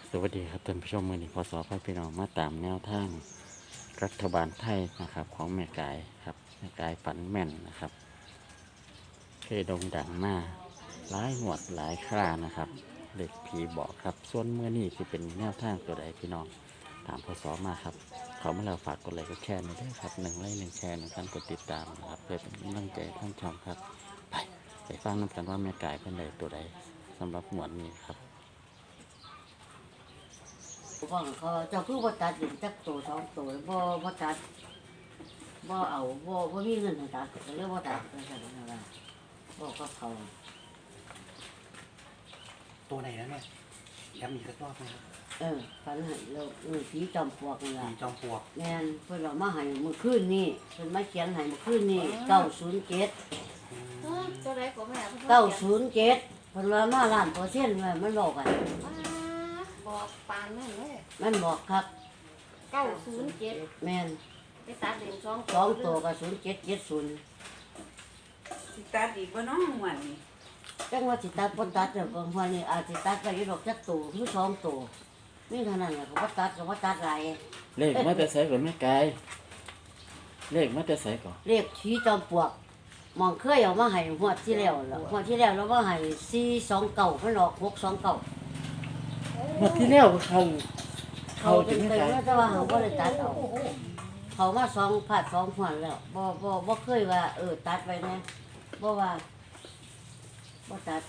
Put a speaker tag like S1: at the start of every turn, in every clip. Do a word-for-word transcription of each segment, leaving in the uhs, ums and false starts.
S1: สวัสดีครับท่านผู้ชมมือนี้พศพพี่น้องมาตามแนวทางรัฐบาลไทยนะครับของแม่กายครับแม่กายฝันแม่นนะครับเคยโด่งดังมาหลายหวดหลายครานะครับเด็กผีบอกครับส่วนเมื่อนี้จะเป็นแนวทางตัวใดพี่น้องตามพศมาครับเขามาแล้วฝากกดไลค์กดแชร์หน่อยด้วยครับหนึ่งไลค์หนึ่งแชร์หนึ่งการกดติดตามนะครับเพื่อเป็นกำลังใจท่านชมครับไปไปฟังน้ำกันว่าแม่กายเป็นใดตัวใดสำหรับหมวดนี้ครับ
S2: บอกเขาเจ้าคือบ่ตัดอยู่จักตัวสองตัวบ่บ่ตัดบ่เอาบ่บ่มีเงินให้ตัดก็เลยบ่ตัดก็ซั่นนั่นล่ะบอกกับเขา
S3: ตัวไหนนะแม่ย้ำอีกสักรอบนะครับ
S2: เออฝันให้เราเออผีจอมปลวกนี่ล่ะ
S3: ผีจอมปลวก
S2: แม่นเพิ่นเอามาให้มื้อคืนนี้เพิ่นมาเขียนให้มื้อคืนนี้เก้าศูนย์เจ็ด
S4: ตัวใดก็แม่
S2: เก้าศูนย์เจ็ดเพิ่นว่ามาล้านเปอร์เซ็นต์ว่ามันบอกกัน
S4: บอกปานนั่นเลย
S2: มันบอกครับ
S4: เก้าศูนย์เจ็ด
S2: แม่น
S4: ไปตัดเหรียญสอง
S2: สองตัวก็ศูนย์เจ็ดเจ็ดศูนย์
S5: สิตัดอีกบ่น้องหวนนี่
S2: จังว่าสิตัดบ่ตัดเด้อบางวันนี่อาจสิตัดไปอยู่ดอกจักตัวหรือสองตัวนี่เท่านั้นแหละเขาบ่ตัดก็บ่ตัดหลาย
S1: เลขมาแต่ใส่ก่อนแม่กายเลขมาแต่ใส่ก่อน
S2: เรียกผีจอมปลวกมองเคยเอามาให้หัวดที่แล้วล่ะหัวดที่แล้วเราว่าให้สี่สองเก่ามันออกหกสองเก่า
S1: เมื่อที่แล้วเขา
S2: เขา
S1: เขา
S2: เป็
S1: จะ
S2: น
S1: ไม่
S2: ไป
S1: กาย
S2: ว่าแต่ว่าเขาก็เลยตัดเอาเขามาสองผัดสองหัวดแล้วบ่บ่บ่เคยว่าเออตัดไปนะบ่ว่าบ่ตัด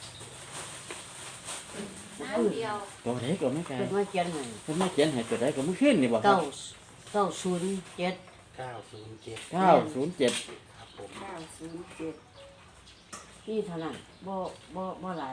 S4: น้ำเดียว
S1: ตัวไหนก่อนแม่กาย
S2: เป็นมาเขียนให้
S1: ผมไม่เขียนให้ตัวไหนก็ไม่ขึ้นนี่บ่ครั
S2: เก้า
S1: บ
S2: เก้าศูนย์เจ็ด
S3: เก้าศูนย์เจ็ด
S1: เก้าศูนย์เจ็ด
S3: ครับผม
S5: เก้าศูนย์เจ็ด
S2: นี่เท่านั้นบ่บ่บ่หลาย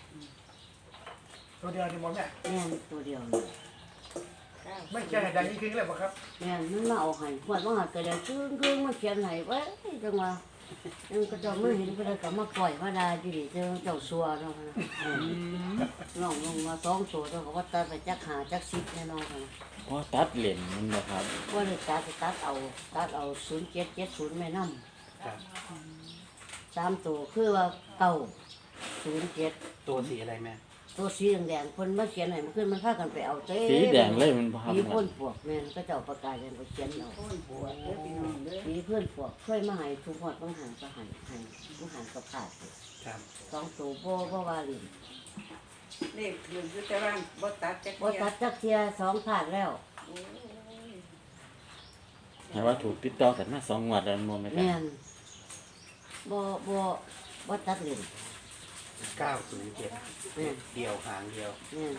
S6: ตัวเดียวที่มองเนี่ย
S2: แม่นตัวเดียวนี่
S6: ไม่ใช่ดังยิ่งขึ้นเลยป่ะครับ
S2: แม่นมันมาเอาให้หัวดว่าหัดก็เดี๋ยวจึ้งจึ้งมาเขียนให้ไว้จังว่า ยังก็จะไม่เห็นก็เลยก็มาปล่อยมาดาจีดีเจ้าเจ้าสัวเนาะนะน้องลงมาสองตัวแล้วก็ว่าตัดไปจักหาจักสิบแน่นอนนะ
S1: พอตัดเหรียญมันบ่ครับ
S2: ว่าเลยตัดไปตัดเอาตัดเอาศูนย์เจ็ดเจ็ดศูนย์แม่น้
S3: ครับ
S2: ำสามตัวคือว่าเก้าศูนย์เจ็ด
S3: ตัวสีอะไรแม่
S2: ตัวสีแดงๆคนมาเขียนให้มันขึ้นมันพากันไปเอาเต้
S1: สีแดงเลยมันบ่ครับ
S2: ผีพ่นปวกแม่นก็เจ้าประกาศกันไปเขียนเอา
S5: โอ้ยปวดเด้อพี่น้องเด้อ
S2: ผีเพื่อนปวกเคยมาให้ทุกหอดต้องหันก็หันหันต้องหันก็ขาด
S3: ครับ
S2: สองตัวบ่บ่ว่าลิน
S5: เลขถืออยู่แต่ว่าบ่ตัดจัก
S2: บ่
S5: เที่ย
S2: ตัดจักเทียสองขาดแล้ว
S5: โอ้ย
S1: แต่ว่าถูกติดต่อกันมาสองงวดแล้วมันบ่แม่กาย
S2: แม่นบ่บ่บ่ตัดลิ้น
S3: เก้าศูนย์เจ็ด
S2: แม่น
S3: เดียวหางเดียว
S2: แม่น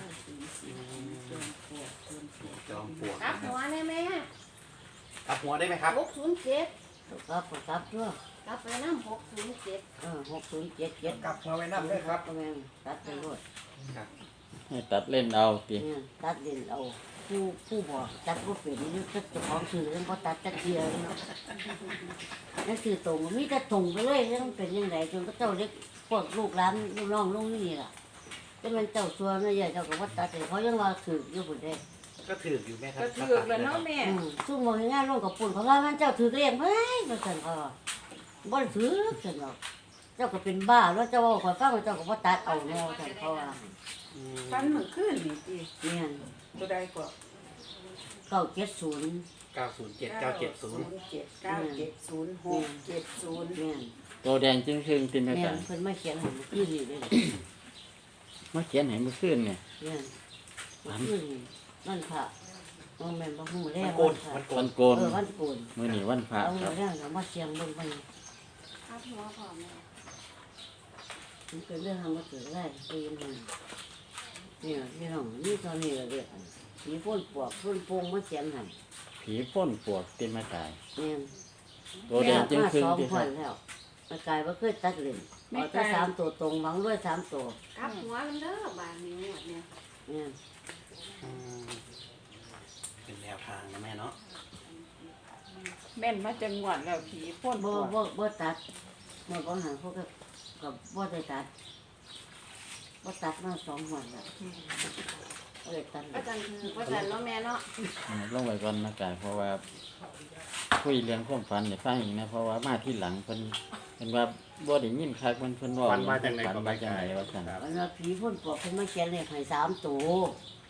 S3: จอมปลวก
S4: กลับ
S3: นะค
S4: หั
S3: รับ
S4: วได้ไหม
S3: ทับหัวได้ไหมครับ
S4: หกศูนย์เจ็ด
S2: ครับครับตัว
S4: กลับไปน้ำหกศูนย์เจ็ด
S2: เออหกศูนย์เจ็ดเจ็ด
S6: กลับมาไว้น้ำด้วยครับ
S2: แม่นตัดไปโลด
S3: ครับ
S1: ให้ตัดเล่นเอาติ
S2: แม่นตัดลิ้นเอาผู้ผู้บอกตัดบ่เป็นนี่ก็เจ้าของซื้อแล้วบ่ตัดจักเทียเนาะนั่นคือตรงมีแต่ตรงไปเลยแล้วมันเป็นจังไดจนก็เจ้าเล็กพวกลูกหลานลูกน้องลูกนี่ล่ะแต่มันเจ้าซัวเนาะใหญ่เจ้าก็บ่ตัดให้เขายังว่าถืออยู่พุ่นเด้
S3: ก็ถืออยู่แม่ครับ
S5: ก็ถือแล้วเนาะแม่
S2: อืมซุ่มมองงานลงกับปุ่นเขาว่ามันเจ้าถือเรียงเฮ้ยมันสั่นเขาว่าบ่ได้ถือสั่นหรอกเจ้าก็เป็นบ้าแล้วเจ้าว่าข่อยฟังว่าเจ้าก็บ่ตัดเอาแนวสั่นเขาว่า
S3: อืม
S5: ฟันมื้อคืนนี่ติ
S2: เนี่ย
S5: ตัวใดก็
S2: เก้าเจ็ดศูนย์
S3: เก้าศูนย์เจ็ดเก้าเจ็ดศูนย์
S5: เจ็ดเก้าเจ็ดศูนย์หกเจ็ดศูนย์
S2: เนี่ย
S1: ตัวแดงจึงครึ่งติแม่
S2: เนี่ย
S1: กาย
S2: เพิ่นมาเขียนให้มันคือนี่เลย
S1: มาเขียนให้เมื่อคืนเนี่ย
S2: เนี่ยมันคือนี่วันพระมันแม่นบ่ฮู้แล้
S3: มัน
S2: ว
S3: โก
S2: วัน นพระ
S3: มันโก
S1: วัน นโกน
S2: เออวันโกน
S1: มื้อนี้วันพระ
S2: เอา
S1: ครับ
S2: เรื่องเอามาเสียงเบิ่งไป
S4: กลับหัวพร้อมแม่
S2: มันเป็นเรื่องทำมาเกิดได้ปีนมันเนี่ยพี่น้องนี่ตอนนี้ละเรียกอันผีพ่นปวกพ่นโปงมาเขียนให้
S1: ผีพ่นปวกติแม่กาย
S2: เนี่ย
S1: ตัวแดงจึง
S2: มา
S1: ครึ่ง
S2: สอง
S1: ติ
S2: ค
S1: ครั
S2: น
S1: บ
S2: แล้วมากายว่าเคยตัดเล่นเอาแต่สามตัวตรงหวังด้วยสามตัว
S4: กลับหัวมันเด้อบานนี้หมดเนี่ย
S2: เนี่ย
S3: อืมเป็นแนวทางนะแม่เนาะ
S5: แม่นมาจังหวัดแล้วผีพ่นป
S2: บ่
S5: วด
S2: บ่บ่ตัดบ่บ่หาพวกก็กับบ่ได้ตัดบ่ตัดมาสองวันแล้วบ่ได้ตัดเล
S4: ก็
S2: ย
S4: จังคือก็จันเนาะแม่เนาะ
S1: อืมลงไว้ก่อนแม่กายเพราะว่าคุยเรื่องความฝันให้ฟังอีกนะเพราะว่ามาที่หลังเพิ่นเพิ่นว่าบ่ได้ยินคักมันเพิ่นเว้า
S3: ฟันมาจากไหน
S1: ฝัน
S3: ก็
S1: มา
S3: ไม่
S1: จาก
S3: ใช่
S1: ไหนว่าซั่น
S3: ครับ
S2: อันนั้นผีพ่นปวกเพิ่นมาเขียนเลขให้สามตัว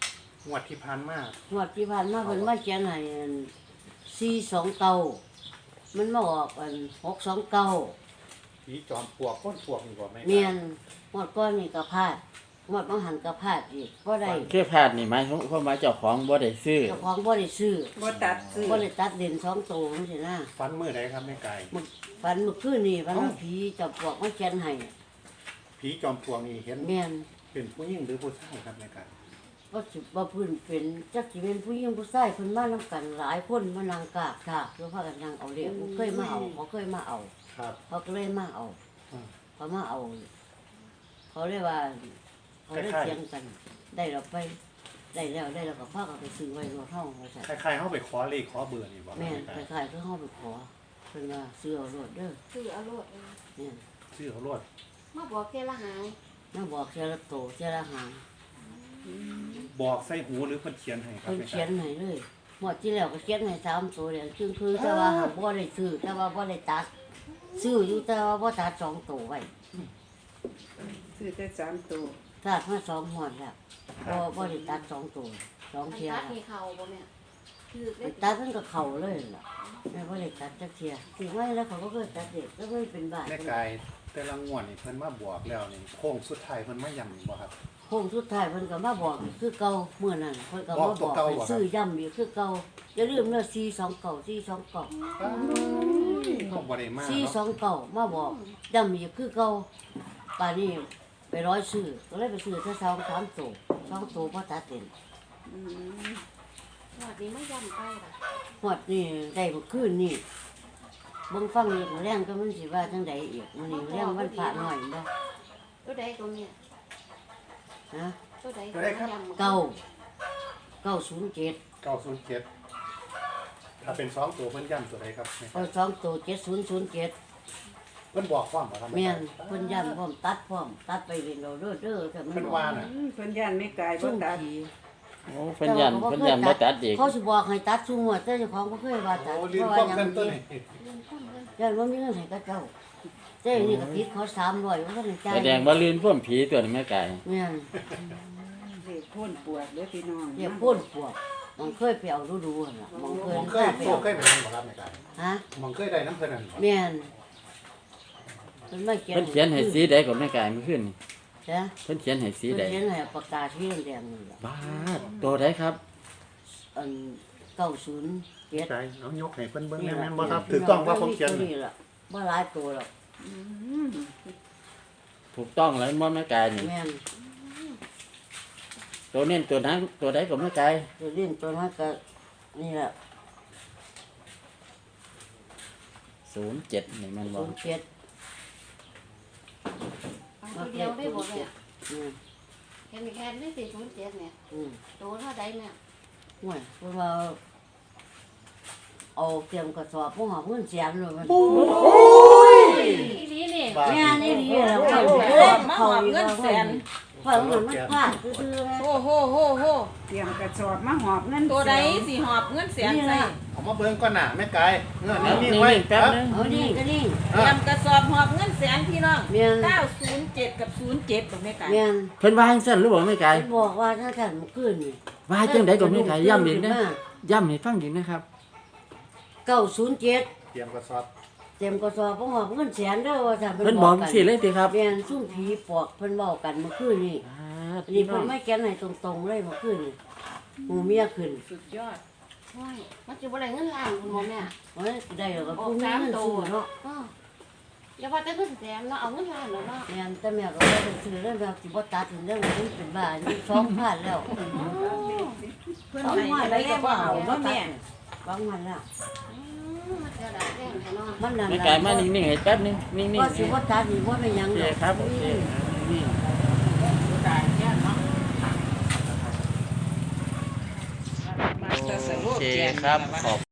S3: งวดที่ผ่านมาง
S2: วดที่ผ่านมาเพิ่นมาเขียนให้อันสี่สองเก้ามันมาออกอันหกสองเก้า
S3: ผีจอมปลวกก้นปลวกนี่บ่แม่
S2: เมียนหมดก้อนนี่ก็พลาดหมดบางหันก็พลาดอีกบ่ได้
S1: แค่พลาดนี่หมายความว่าเจ้าของบ่ได้ซื้อ
S2: เจ้าของบ่ได้ซื้อ
S5: บ่ตัดซื้อ
S2: บ่ได้ตัดเด่นสองตัวจังซี่นะ
S3: ฟันมื้อใดครับแม่ไก่
S2: มึกฝันเมื่อคืนนี่ฝันว่าผีจับปลวกมาเขียนให้
S3: ผีจอมปลวกนี่เห็น
S2: เมียน
S3: เป็นผู้หญิงหรือผู้ชายครับแม่ไก่
S2: บ่สิบ่พื้นเป็นจักสิเป็นผู้หญิงผู้ชายเพิ่นมานํกันหลายคนมานั่งกราบกราบแล้วพากันนั่งเอาเลขบ่เคยมาเอาบ่เคยมาเอา
S3: ครับ
S2: เขาก็เลยมาเอา
S3: อืม
S2: เขามาเอา เขาเรียกว่า เขาได้
S3: คล้ายๆ
S2: เถียงกัน ได้เราไป ได้แล้วได้แล้วก็พากันไปซื้อไว้รถห้องไว้ใส่
S3: คล้ายๆเฮาไปขอเลขขอเบอร์นี่บ่
S2: แม่
S3: แม่
S2: น
S3: ไก่
S2: คล้ายๆคือห้องไปขอเพิ่นว่าซื้อเอารถเด้อ
S4: คือเอาโลดเอง
S2: เนี่ย
S3: ชื่อเขารวด
S4: มาบอกแค่ละหาง
S2: น่าบอกเสียละโตเสียละหาง
S3: บอกใส่หูหรือเพิ่นเขียนให้ครับ
S2: เพิ่น
S3: แม่
S2: เขี
S3: ไก่
S2: ยนให้เลยหมดที่แล้วก็เขียนให้สามตัวเดียวคือคือแต่ว่าหากบ่ได้ซื้อแต่ว่าบ่ได้ตัด ซื้ออยู่แต่ว่าบ่ตัดสองตัวไว้
S5: ซื้อแต่สามตัว
S2: ตัดมาสองหอดแล้วบ่บ่ได้ตัดสองตัวสอง
S4: มัน
S2: เทีย
S4: ตัด
S2: แล้ว
S4: มีเข่าบ่แม่คือ
S2: ไป
S4: เล็ก
S2: ตัดมันก็เข่าเลยล่ะแม่บ่ได้ตัดจักเทียถึงไว้แล้วเขาก็เคยตัดเด็กก็เคยเป็นบาด
S3: แม่ไก่แต่ละงวดนี่เพิ่นมาบอกแล้วนี่โค้งสุดท้ายเพิ่นมาย้ำนี่บ่ครับ
S2: โค้งสุดท้ายเพิ่นก็มาบอกอีกคือเก่าเมื่อนั้นเพิ่นก็
S3: บอ
S2: มาก บ
S3: ตัว
S2: อก
S3: เก่า
S2: ให้
S3: เหรอครับ
S2: ซื้อย้ำอีกคือเก่าอย่าลืมเด้อสี่สองเก้าสี่สองเก้า
S3: ก็บ่ได้มา
S2: สี่สอ
S3: เนาะ
S2: งเก้ามาบอกย้ำอีกคือเก่าป่านนี้ไปร้อยซื้อก็เลยไปซื้อแค่สองสามตัวสองตัวบ่ตัดเต็ม
S5: อืม
S4: หอดนี้ไม่ย่ำไปล่ะ
S2: ฮอดนี่ได้เมื่อคืนนี่เบิ่งฟังอีกมื้อแรงก็มันสิว่าจังใดอีกมื้อนี้มื้อแรงวันพระน้อยบ่
S4: ตัวใดตัวเนี้ย
S2: ฮะ
S4: ตัวใด
S3: ตัวใดครับ
S4: ย่ำ
S2: เก้าเก้าศูนย์เจ็ด
S3: เก้าศูนย์เจ็ดถ้าเป็นสองตัวเพิ่นย้ำตัวใดครับแม่ไก่
S2: เอาสองตัวเจ็ดศูนย์ศูนย์เจ็ด
S3: เพิ่นบอกความบ่ครับ
S2: แม่
S3: แม่
S2: น
S3: ไก่
S2: เพิ่นย้ำพร้อมตัดพร้อมตัดไปเรียนเราเด้อเด้อแต่มัน
S3: เพิ่น
S2: บอก
S3: ว่าน่ะ
S5: อืมเพิ่นย่านไม่กายบ่
S2: ซุ่ม
S5: ตัด
S2: ผี
S1: โอ้เพิ่นยันเพิ่นยันบ่ตัดอีก
S2: เขาสิบอกให้ตัดซุ่มหัวแต่เจ้าของบ่เคยว่าตัด
S3: โอ้
S2: เพ
S3: ลืม
S2: ราะว่า
S3: ความ
S2: หยัง
S3: กันตัว
S2: นี้
S3: นี้
S4: เรื่องต้นเลย
S2: ย่านว่ามีเงินให้กับเจ้าเจ้านี่ก็ผิดเขาสามร้อยว่าท่านได้จ่าย
S1: แสดงว่าลื่นพ่วมผีตัวนี้แม่ไก่
S2: แม่น
S5: เลขพ่นปวดเด้อพี่น้อง
S2: เรียกพ่นปวกมันเคยไปเอาดูๆหั่นล่ะมันเคย
S3: มองเคย
S2: ไป
S3: โซ
S2: เอา
S3: เคยไปทำบ่ครับแม่ไก่
S2: ฮะ
S3: มองเคยได้น้ำเพิ่นนั่นบ่
S2: แม่นเพิ่นมาเขียน
S1: เพิ่นเขียนให้สีใดก็แม่ไก่เมื่อคืนนี่
S2: จ้ะ
S1: เพิ่นเขียนให้สี
S2: เพิ่น
S1: ใด
S2: เขียนให้ปากกาสีแดงๆนี่ล่ะ
S1: บ้าดตัวใดครับ
S2: อันเก้าศูนย์เจ็ด
S3: ไก่เอายกให้เพิ่นเบิ่งแม่นบ่ครับถูกต้องว่าผมเขียน
S2: นี่ล่ะบ่หลายตัวหรอก
S5: อืม
S1: ถูกต้องแล้วบ่แม่ไก่นี่
S2: แม่น
S1: ตัวเน้นตัวนั้นตัวใดก็แม่ไก่
S2: ตัวเลี้ยงตัวนั้นก็นี่แหละ
S1: ศูนย์เจ็ดนี่มันบ่
S2: ศูนย์เจ็ด
S4: เอาตัวเดียวได้บ่แม่
S2: อืม
S4: แค่มีแค่ไม่สี่ศูนย์เจ็ดเนี่ย
S2: อืม
S4: ตัวเท่าใดแม่
S2: ห่วยเพราะว่าเอาเตรียมกระสอบพวกหอมเงินแสนเลยมัน
S4: อีนี้นี่
S3: บ้า
S2: แม่นี่ดีแล้ว
S5: โอ้โหมาหอบเงินแสน
S2: เพราะมันมันพลาดคือๆไง
S7: โอ้โหโหโห
S5: เตรียมกระสอบมาหอบเงิน
S7: ตัวใด
S5: แสน
S7: สิหอบเงินแสน
S2: นี่
S7: ใส่
S2: ล่ะ
S3: เอามาเบิ่งก่อนน่ะแม่ไก่เงื่อน
S1: เอา
S3: นี่
S1: นิ่
S3: ไว้
S1: งๆแป๊บนึง
S2: เอานี่ก็นี่
S7: เตรียมกระสอบหอบเงินแสนพี่น้อง
S2: แม่น
S7: เก้าศูนย์เจ็ดกับศูนย์เจ็ดบอกแม่ไก่
S2: แม่น
S1: เพิ่นว่าจังซั่นหรือบ่แม่ไก่
S2: เพิ่นบอกว่าถ้าท่านเมื่อคืนนี่
S1: ว่าจังไดก็แม่ไก่ย้ำอีกนะย้ำให้ฟังอีกนะครับ
S2: เก้าศูนย์เจ็ด
S3: เตรียมกระสอบ
S2: เตรียมกระสอบพวกหอมเงินแสนเด้อว่าท่าน
S1: เพิ่นบอกสิเลยติครับ
S2: แม่นซุ่มผีปอบเพิ่นเว้ากันเมื่อคืนนี่
S1: อ่า
S2: นี่เพิ่นไม่แก้นให้ตรงๆเลยเมื่อคืนนี่หมูเมียขึ้น
S7: สุดยอด
S4: โอ้ยมันจะบ่ได้เงินล้านคุณบ่แม่
S2: โอ้ยได้แล้วก็ผู้มีเงินสู้เนาะ
S4: อ้ออย่าว่าแต่เงินแสนเนาะเอาเงินล้านแล้วเนาะ
S2: แม่นแต่แม่ก็บ่ได้ซื้อเรื่องแบบสิบ่ตัดถึงเรื่องนี้เป็นบ้านี่สองพันแล้ว
S7: เพื่อน
S2: สอง
S7: ให้
S2: พัน
S7: ไป
S2: แล้ว
S7: ได้
S2: ก็
S7: บ่
S2: บ่
S7: เอา
S2: เอา
S7: เนาะ
S2: เนาะ
S7: แม่
S2: แม่สองพันแล้ว
S4: อืมมันจะได้แรงให้เนาะ
S2: มันนั่น
S1: แม่ไก่มานิ่งๆให้แป๊บนึงนิ่งๆ
S2: ก็สิบ่ตัดนี่บ่เป็นหยัง
S1: โอเค
S2: ดอก
S1: ครับโอเคนี่
S7: มาสสโล
S1: โอก เค
S7: แจก
S1: ครับ
S7: นะ
S1: ขอบ